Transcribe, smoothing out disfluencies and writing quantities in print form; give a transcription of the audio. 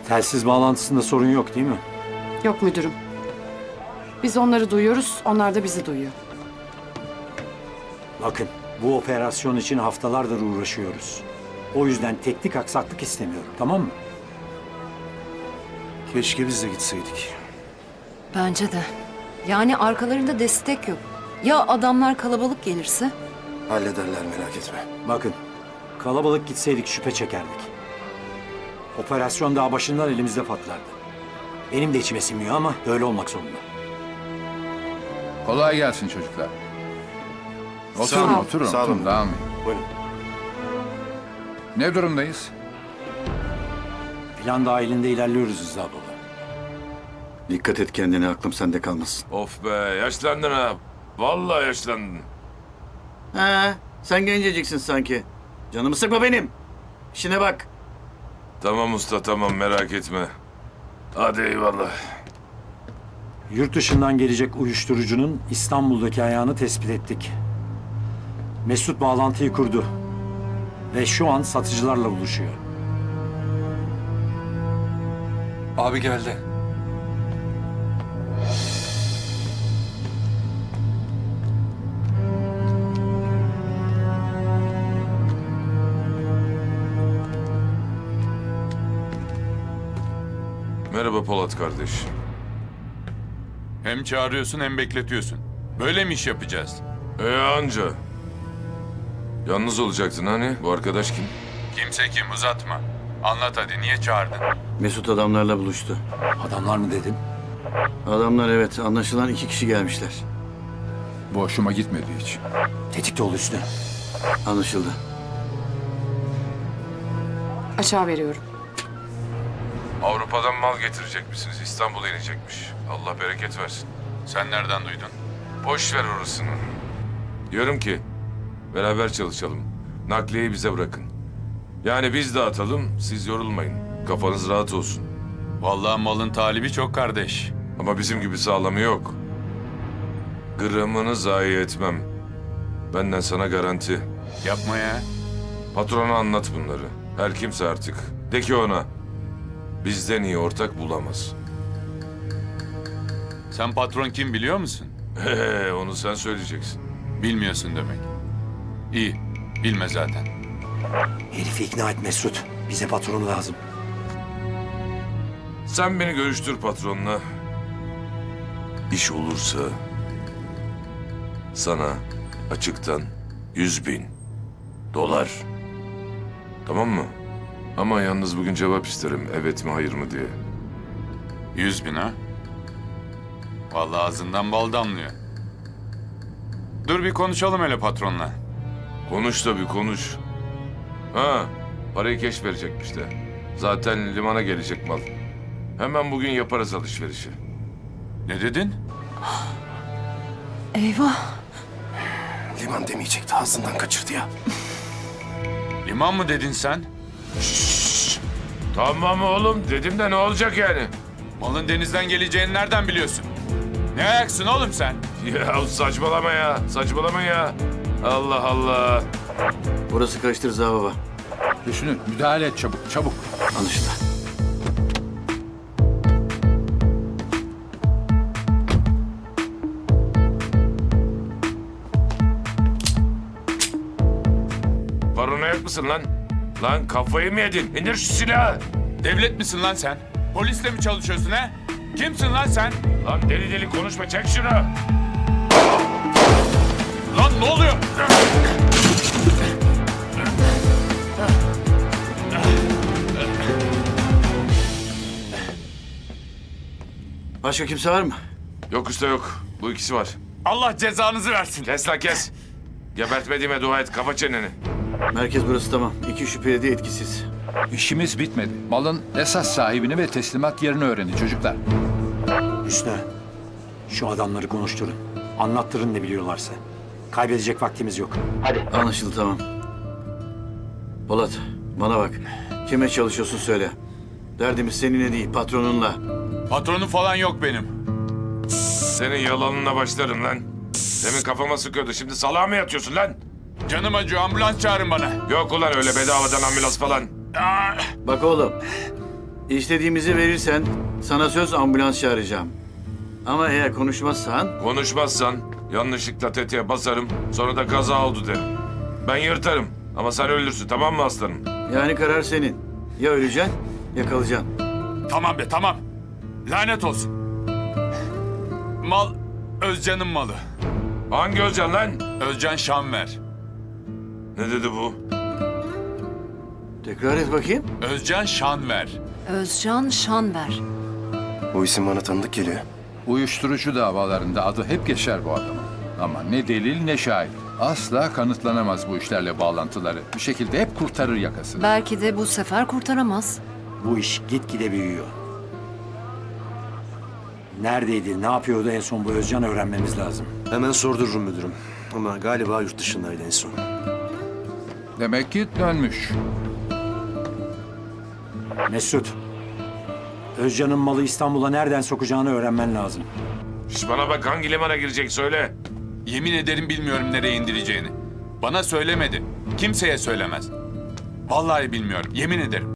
Telsiz bağlantısında sorun yok değil mi? Yok müdürüm. Biz onları duyuyoruz, onlar da bizi duyuyor. Bakın, bu operasyon için haftalardır uğraşıyoruz. O yüzden teknik aksaklık istemiyorum, tamam mı? Keşke biz de gitseydik. Bence de. Yani arkalarında destek yok. Ya adamlar kalabalık gelirse? Hallederler, merak etme. Bakın, kalabalık gitseydik şüphe çekerdik. Operasyon daha başından elimizde patlardı. Benim de içime sinmiyor ama böyle olmak zorunda. Kolay gelsin çocuklar. Sağ Oturun, olun, oturun, sağ olun. oturun. Devam edin. Buyurun. Ne durumdayız? Plan dahilinde ilerliyoruz Rıza baba. Dikkat et kendine, aklım sende kalmasın. Of be, yaşlandın ha. Vallahi yaşlandın. He, sen genceciksin sanki. Canımı sıkma benim. İşine bak. Tamam usta, tamam, merak etme. Hadi eyvallah. Yurt dışından gelecek uyuşturucunun İstanbul'daki ayağını tespit ettik. Mesut bağlantıyı kurdu. Ve şu an satıcılarla buluşuyor. Abi geldi. Merhaba Polat kardeş. Hem çağırıyorsun hem bekletiyorsun. Böyle mi iş yapacağız? Anca. Yalnız olacaktın hani? Bu arkadaş kim? Kimse kim, uzatma. Anlat hadi, niye çağırdın? Mesut adamlarla buluştu. Adamlar mı dedin? Adamlar evet, anlaşılan 2 kişi gelmişler. Bu hoşuma gitmedi hiç. Tetikte ol Hüsnü. Anlaşıldı. Açığa veriyorum. Avrupa'dan mal getirecek misiniz? İstanbul'a inecekmiş. Allah bereket versin. Sen nereden duydun? Boş ver orasını. Diyorum ki, beraber çalışalım. Nakliyeyi bize bırakın. Yani biz dağıtalım, siz yorulmayın. Kafanız rahat olsun. Vallahi malın talibi çok kardeş. Ama bizim gibi sağlamı yok. Gramını zayi etmem. Benden sana garanti. Yapma ya. Patrona anlat bunları. Her kimse artık. De ki ona, bizden iyi ortak bulamaz. Sen patron kim biliyor musun? Onu sen söyleyeceksin. Bilmiyorsun demek. İyi, bilme zaten. Herifi ikna et Mesut. Bize patronu lazım. Sen beni görüştür patronla. İş olursa sana açıktan 100.000 dolar. Tamam mı? Ama yalnız bugün cevap isterim. Evet mi hayır mı diye. 100.000 ha? Vallahi ağzından bal damlıyor. Dur bir konuşalım hele patronla. Konuş tabii konuş. Ha, parayı keş verecekmiş de. Zaten limana gelecek mal. Hemen bugün yaparız alışverişi. Ne dedin? Eyvah. Liman demeyecekti, ağzından kaçırdı ya. Liman mı dedin sen? Tamam oğlum dedim de ne olacak yani? Malın denizden geleceğini nereden biliyorsun? Ne ayaksın oğlum sen? Ya saçmalama ya, saçmalama ya. Allah Allah. Burası karıştı Rıza baba. Hüsnü, müdahale et çabuk, çabuk. Anlaşıldı. Paranoyak mısın lan? Lan kafayı mı yedin? İndir şu silahı. Devlet misin lan sen? Polisle mi çalışıyorsun ha? Kimsin lan sen? Lan deli deli konuşma, çek şunu. Lan ne oluyor? Başka kimse var mı? Yok usta yok. Bu ikisi var. Allah cezanızı versin. Kes lan kes. Gebertmediğime dua et. Kapa çeneni. Merkez burası tamam. 2 şüpheli de etkisiz. İşimiz bitmedi. Malın esas sahibini ve teslimat yerini öğrenin çocuklar. Hüsnü, şu adamları konuşturun. Anlattırın ne biliyorlarsa. Kaybedecek vaktimiz yok. Hadi. Anlaşıldı, tamam. Polat, bana bak. Kime çalışıyorsun söyle. Derdimiz seninle değil, patronunla. Patronum falan yok benim. Senin yalanına başlarım lan. Demin kafama sıkıyordu. Şimdi salağa mı yatıyorsun lan? Canım acıyor, ambulans çağırın bana. Yok ulan öyle bedavadan ambulans falan. Bak oğlum, İstediğimizi verirsen sana söz ambulans çağıracağım. Ama eğer konuşmazsan Konuşmazsan yanlışlıkla tetiğe basarım, sonra da kaza oldu derim. Ben yırtarım ama sen ölürsün, tamam mı aslanım? yani karar senin. Ya öleceksin ya kalacaksın. Tamam be tamam. Lanet olsun. Mal Özcan'ın malı. Hangi Özcan lan? Özcan Şanver. Ne dedi bu? Tekrar et bakayım. Özcan Şanver. Özcan Şanver. Bu isim bana tanıdık geliyor. Uyuşturucu davalarında adı hep geçer bu adamın. Ama ne delil ne şahit. Asla kanıtlanamaz bu işlerle bağlantıları. Bir şekilde hep kurtarır yakasını. Belki de bu sefer kurtaramaz. Bu iş gitgide büyüyor. Neredeydi, ne yapıyordu en son bu Özcan öğrenmemiz lazım. Hemen sordururum müdürüm. Ama galiba yurt dışındaydı en son. Demek ki dönmüş. Mesut, Özcan'ın malı İstanbul'a nereden sokacağını öğrenmen lazım. Şş, bana bak, hangi limana girecek söyle. Yemin ederim bilmiyorum nereye indireceğini. Bana söylemedi. Kimseye söylemez. Vallahi bilmiyorum. Yemin ederim.